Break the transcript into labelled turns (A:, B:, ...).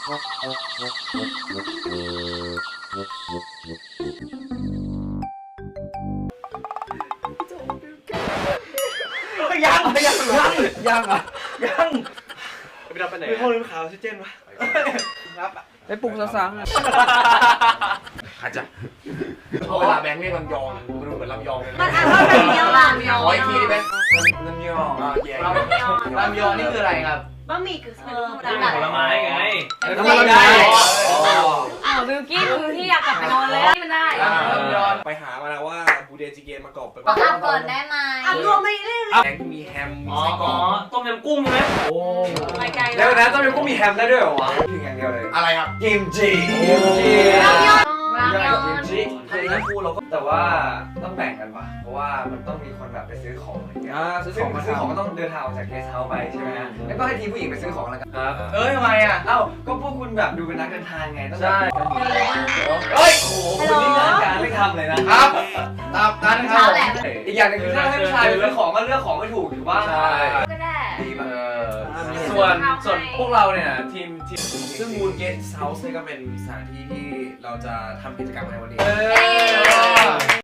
A: ยังอ่ะยัง
B: ไปรับไปไหน
A: เป็นคนลืมข่าวซิเจนวะครับ
C: ไปปลุกสังอ่ะ
B: อาจจะเวลาแบงค์เรียกลำยองมันเหมือนลำยองเลย
D: มันอ่านว่าลำยองลำยอง
B: ขออีกทีดิแบงค์ลำยองลำยองนี่คืออะไรครับ
D: บะหมี่กึ่งสำเร็จรูป
E: ผลไม้ไง
B: ผลไม้
D: อ้าวบิวกี้คือที่อยากกลับไปนอนเลยที่มันได้
B: ลำยอง
A: ไปหามาแล้วว่าบูเดจิเกนมากรอบไป
D: ประกาศก่อนได้ไหมอ่ะรวมไม่ได้
B: แบงค์มีแฮมมี
E: อ๋อ
B: ไส้กรอก
E: ต้มยำกุ้งใช่ไหมโอ้
D: ไปไกล
C: แล้วนะต้องมีกุ้งมีแฮมได้ด้วยเหรอวะถึงอย่างเดียวเลย
B: อะไรครับ
C: กิมจิ
D: รามยอน
C: กิมจิทั้งคู่เราก็แต่ว่าต้องแบ่งกันว่ะเพราะว่ามันต้องมีคนแบบไปซื้อของอะไรเงี้ยซื้อของก็ต้องเดินทางออกจากเกสต์เฮาส์ไปใช่ไหมฮะแล้วก็ให้ทีมผู้หญิงไปซื้อของแล้วกันครับทำไมอ่ะเอ้าก็พวกคุณแบบดูเป็นนักเดินทางไงต้องใช่เฮ้ยโอ้โหคุณนี่งานการไม่ทำเลยนะครับ
B: ตามนั้นครั
D: เช้า
B: บ
D: แหละ
C: อีกอย่างนึงคือถ้าให้ผู้ชายไปซื้อของก็เลือกของไม่ถูกถือว่า
D: ก็ได้
C: ดีมาก
E: ส่วนพวกเราเนี่ยทีม
A: ซึ่งมูนเกสเฮาส์นี่ก็เป็นสถานที่ที่เราจะทำกิจกรรมในวันนี้
D: เอ้